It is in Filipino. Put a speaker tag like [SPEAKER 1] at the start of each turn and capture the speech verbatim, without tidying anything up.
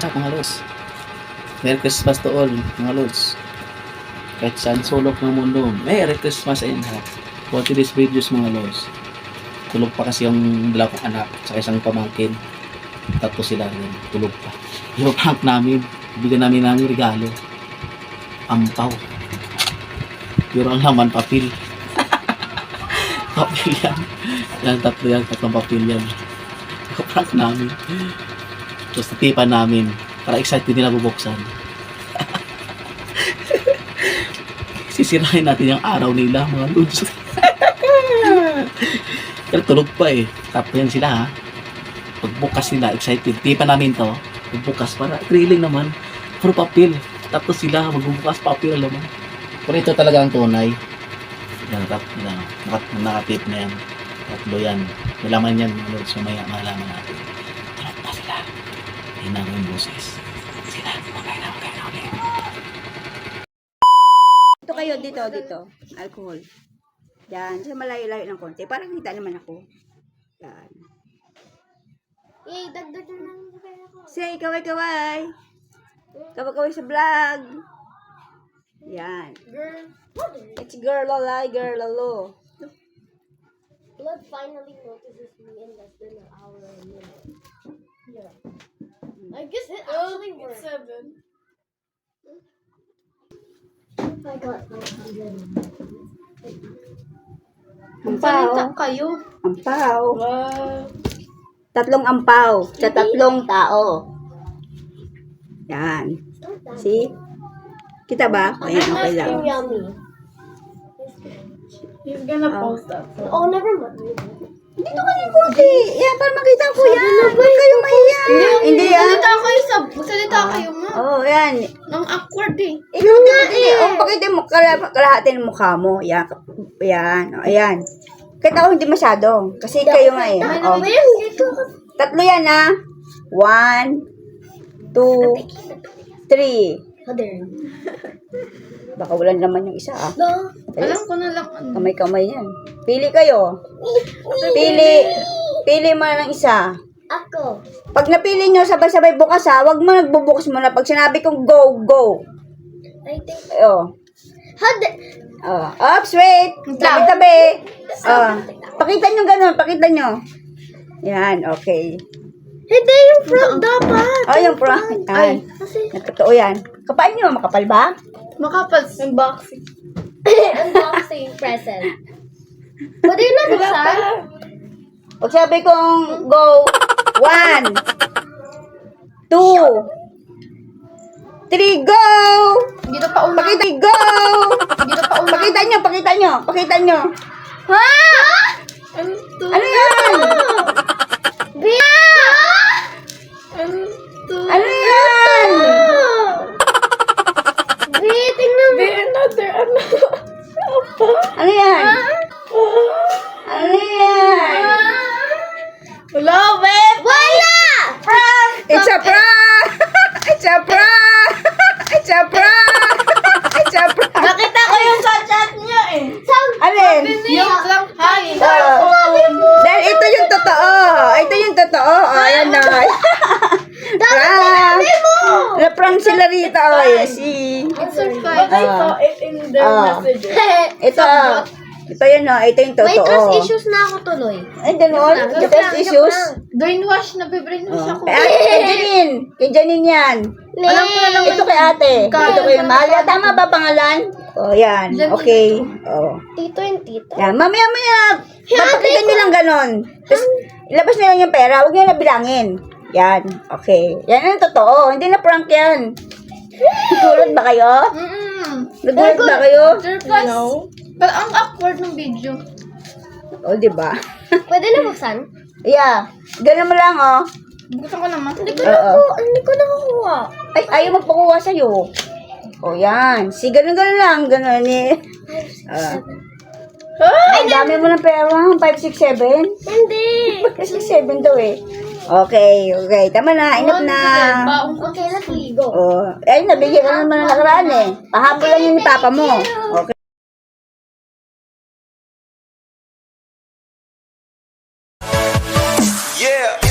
[SPEAKER 1] what's up mga lods? Merry Christmas to all mga lods. Kahit saan sulok ng mundo, Merry Christmas sa inyo. For today's videos mga lods, tulog pa kasi yung dalawa kong anak sa isang pamangkin. Tatlo sila rin, tulog pa. Yung prank namin, bigyan namin namin regalo. Ampaw. Pero ang laman, papel. Papel yan. Yan, tatlo yan, tatlong papel yan. Yung prank namin. Tapos natipan namin para excited nila bubuksan. Sisirahin natin yung araw nila mga lods. Pero tulog pa eh. Tapos yan sila ha. Pagbukas nila, excited. Tipan namin to. Pagbukas para thrilling naman. Puro papel. Tapos sila magbubukas papel alam mo. Pero ito talaga ang tunay. Yan, tap, yan, nakat, nakatip na yan. Tatlo yan. Malaman yan mga lods. Sumaya malaman natin. Tulog pa sila. Hina ko yung boses. Sila, magkaya na, magkaya na ulit.
[SPEAKER 2] Ito kayo, dito, dito. Alcohol. Yan, sa malayo-layo ng konti. Para kita naman ako. Yan.
[SPEAKER 3] Eh, dagdag na lang sa pera ko.
[SPEAKER 2] Say, kaway-kaway. Kaway-kaway sa vlog. Yan.
[SPEAKER 3] Girl,
[SPEAKER 2] It's girl alay, girl alo.
[SPEAKER 3] Blood finally notices me in less than an hour and a minute. Yeah. I guess it actually worked. Seven. I got five hundred.
[SPEAKER 2] Ampaw.
[SPEAKER 3] kayo.
[SPEAKER 2] Ampaw.
[SPEAKER 3] Wow.
[SPEAKER 2] Tatlong ampaw sa tatlong tao. Yan. See? Kita ba? Ayan, okay lang.
[SPEAKER 3] Yummy.
[SPEAKER 4] He's gonna
[SPEAKER 2] Oh.
[SPEAKER 4] post that.
[SPEAKER 3] Oh, never mind.
[SPEAKER 2] Dito ka din konti. Yan, para makita ko yan. Huwag kayo mahiya. Hindi yan.
[SPEAKER 4] Magsalita kayo sa... Magsalita kayo, ma.
[SPEAKER 2] Oo, oh, yan.
[SPEAKER 4] Nang awkward eh.
[SPEAKER 2] Ikaw nga eh. Oh, pakita mo, kala- kalahati ng mukha mo. Yan. Yan. O, ayan. Kahit ako hindi masyado. Kasi kayo nga eh. Oh. Tatlo yan ha. One, two, three.
[SPEAKER 3] Other.
[SPEAKER 2] Baka wala naman yung isa ah.
[SPEAKER 3] No.
[SPEAKER 4] Alam ko na lang. ano.
[SPEAKER 2] Kamay-kamay yan. Pili kayo. Pili. Pili mo na ng isa.
[SPEAKER 3] Ako.
[SPEAKER 2] Pag napili nyo, sabay-sabay bukas ha. Huwag mo nagbubukas muna. Pag sinabi kong go, go.
[SPEAKER 3] I think.
[SPEAKER 2] Oh.
[SPEAKER 3] Other.
[SPEAKER 2] Oh. Oops, wait. Tabi-tabi. Oh. Pakita nyo ganun. Pakita nyo. Yan, okay.
[SPEAKER 3] Hindi yung front dapat.
[SPEAKER 2] Oh, yung pro. Ay.
[SPEAKER 3] Kasi.
[SPEAKER 2] Totoo yan. Kapal nyo. Makapal ba?
[SPEAKER 4] Makapal. Unboxing.
[SPEAKER 3] Unboxing present. Pwede yun na buksan?
[SPEAKER 2] Pag sabi kong go, one, two, three, go!
[SPEAKER 4] Dito pa una.
[SPEAKER 2] Pakita, go!
[SPEAKER 4] Dito pa una.
[SPEAKER 2] Pakita nyo, pakita nyo, pakita nyo.
[SPEAKER 3] Ha?
[SPEAKER 4] Ano to?
[SPEAKER 2] Ano yan?
[SPEAKER 3] Bia!
[SPEAKER 4] Ano to?
[SPEAKER 2] Ano yan?
[SPEAKER 3] Bia, tingnan mo.
[SPEAKER 4] Be another ano. Apa?
[SPEAKER 2] Ano yan? Ano yan?
[SPEAKER 4] Wala, wait.
[SPEAKER 3] Wala!
[SPEAKER 2] Prank! It's a prank! It's a prank! It's a prank! It's a prank!
[SPEAKER 4] Nakita ko yung sa chat niya eh.
[SPEAKER 2] Alin?
[SPEAKER 4] Yung lang hi.
[SPEAKER 2] Oh. Dahil ito yung totoo. Ito yung totoo. Oh, ayan na. Prank! Na-prank sila rito. Oh, yes, see.
[SPEAKER 4] It's so fun. I
[SPEAKER 2] Ah.
[SPEAKER 4] saw it in their
[SPEAKER 2] Ah.
[SPEAKER 4] messages.
[SPEAKER 2] Ito. Ito yun, oh. Ito yung
[SPEAKER 3] May trust
[SPEAKER 2] totoo.
[SPEAKER 3] issues na ako tuloy.
[SPEAKER 2] Ay, ganun.
[SPEAKER 3] Joke
[SPEAKER 2] Trust
[SPEAKER 3] lang, joke
[SPEAKER 2] issues.
[SPEAKER 3] lang.
[SPEAKER 4] Brainwash na, brainwash
[SPEAKER 2] Oh.
[SPEAKER 4] ako.
[SPEAKER 2] Kay ate, kay Janine. Kay Janine yan.
[SPEAKER 4] Alam ko na lang
[SPEAKER 2] Ito kay ate. Ito kay Mahal. Tama ba pangalan? Oh, yan. Okay. Oh.
[SPEAKER 3] Tito and tita.
[SPEAKER 2] Yan. Mamaya, mamaya. Papakita nyo lang ganon. Tapos, ilabas nyo lang yung pera. Huwag nyo na bilangin. Yan. Okay. Yan ang totoo. Hindi na prank yan. Nagulat ba kayo?
[SPEAKER 4] Mm-mm.
[SPEAKER 2] Nagulat ba kayo?
[SPEAKER 4] Surprise. No. Pero ang awkward ng video.
[SPEAKER 2] O, oh, diba?
[SPEAKER 3] Pwede na buksan?
[SPEAKER 2] Yeah. Ganun mo lang, oh.
[SPEAKER 4] Buksan ko naman.
[SPEAKER 3] Hindi ko
[SPEAKER 2] Oo.
[SPEAKER 3] nakuha. Hindi ko nakukuha.
[SPEAKER 2] Ay, ayaw magpakuha sa'yo. O, yan. Si ganun-ganun lang. Ganun eh. Ah. Ay, dami mo ng pera. five, six, seven?
[SPEAKER 3] Hindi.
[SPEAKER 2] five, six, seven daw eh. Okay, okay. Tama na. Enough na.
[SPEAKER 4] Baong ko.
[SPEAKER 3] Okay, let's go.
[SPEAKER 2] Oh, ay, nabigyan ka naman ng nakaraan eh. Pahabol lang yun ni papa mo. Okay.
[SPEAKER 5] Yeah.